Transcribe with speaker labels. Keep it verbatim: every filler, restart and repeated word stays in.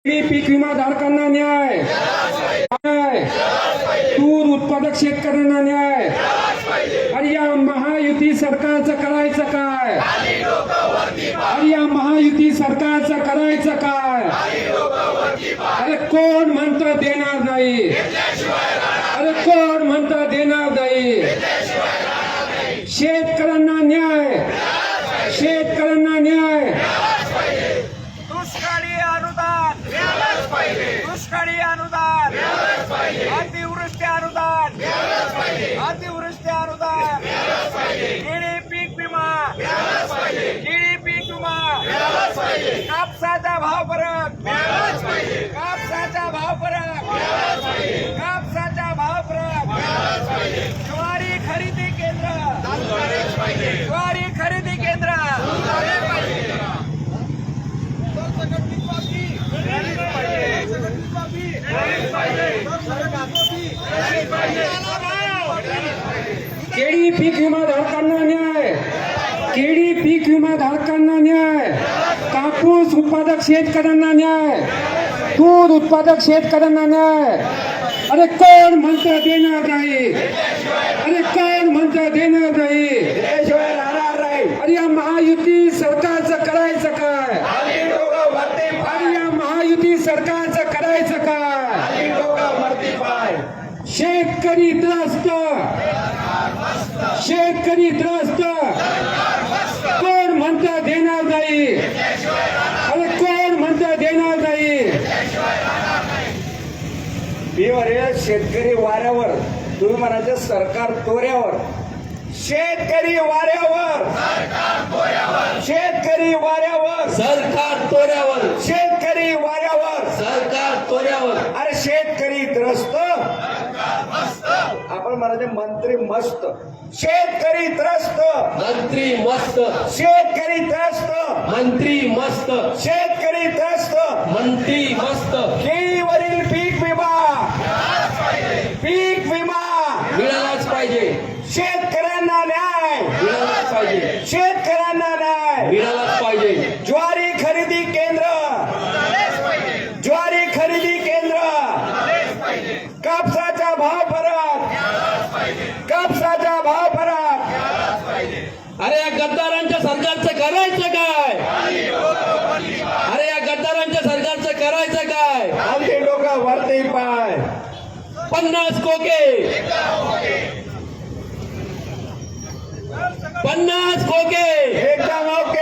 Speaker 1: पीक विमा धारकांना न्याय, न्याय तूर उत्पादक शेतकऱ्यांना न्याय। अरे या महायुती सरकारचं करायचं काय? अरे या महायुती सरकारचं करायचं काय? अरे कोण म्हणतं देणार नाही? अरे कोण म्हणतं देणार नाही? शेतकऱ्यांना न्याय, शेतकऱ्यांना न्याय।
Speaker 2: दुष्काळी अनुदान मिळालंच पाहिजे, दुष्काळी अनुदान मिळालंच पाहिजे, अतिवृष्टी अनुदान मिळालंच पाहिजे, अतिवृष्टी अनुदान मिळालंच पाहिजे, केळी पीक विमा मिळालंच पाहिजे, केळी पीक विमा मिळालंच पाहिजे, कापसाचा भाव फरक मिळालंच पाहिजे, कापसाचा भाव फरक मिळालंच पाहिजे, कापसाचा भाव फरक मिळालंच पाहिजे, ज्वारी खरेदी केंद्र चालू झालेच पाहिजे, ज्वारी खरेदी केंद्र चालू झाले पाहिजे।
Speaker 1: केळी पीक विमा धारकांना न्याय, केळी पीक विमा धारकांना न्याय, कापूस उत्पादक शेतकऱ्यांना न्याय, तूर उत्पादक शेतकऱ्यांना न्याय। अरे कोण म्हणतं देणार नाही? अरे कोण म्हणतं देणार नाही? अरे या महायुती सरकारचं करायचं काय? अरे या महायुती सरकारचं करायचं काय? शेतकरी त्रस्त, शेतकरी त्रस्त, कोण म्हणतं देणार नाही? अरे कोण म्हणतं देणार नाही?
Speaker 2: शेतकरी वाऱ्यावर, तुम्ही म्हणायचं सरकार तोऱ्यावर, शेतकरी वाऱ्यावर, शेतकरी वाऱ्यावर,
Speaker 3: सरकार तोऱ्यावर,
Speaker 2: शेतकरी वाऱ्यावर,
Speaker 3: सरकार तोऱ्यावर।
Speaker 2: अरे शेतकरी त्रस्त, आपण म्हणायचे मंत्री मस्त, शेतकरी त्रस्त,
Speaker 3: मंत्री मस्त,
Speaker 2: शेतकरी त्रस्त,
Speaker 3: मंत्री मस्त,
Speaker 2: शेतकरी त्रस्त,
Speaker 3: मंत्री मस्त।
Speaker 2: केळीवरील पीक विमा, पीक विमा
Speaker 3: मिळालाच पाहिजे,
Speaker 2: शेतकऱ्यांना न्याय,
Speaker 3: मिळालाच पाहिजे,
Speaker 2: शेतकऱ्यांना न्याय,
Speaker 3: मिळालाच पाहिजे।
Speaker 2: ज्वारी खरेदी केंद्र, ज्वारी खरेदी केंद्र, कापसाचा भाव फरक, कापसाचा भाव फरक।
Speaker 3: अरे या गद्दारांच्या सरकारचं करायचं काय? अरे या गद्दारांच्या सरकारचं करायचं काय?
Speaker 2: आमचे डोकं वरती पाय,
Speaker 3: पन्नास खोके, पन्नास खोके,
Speaker 2: एकदम ओके।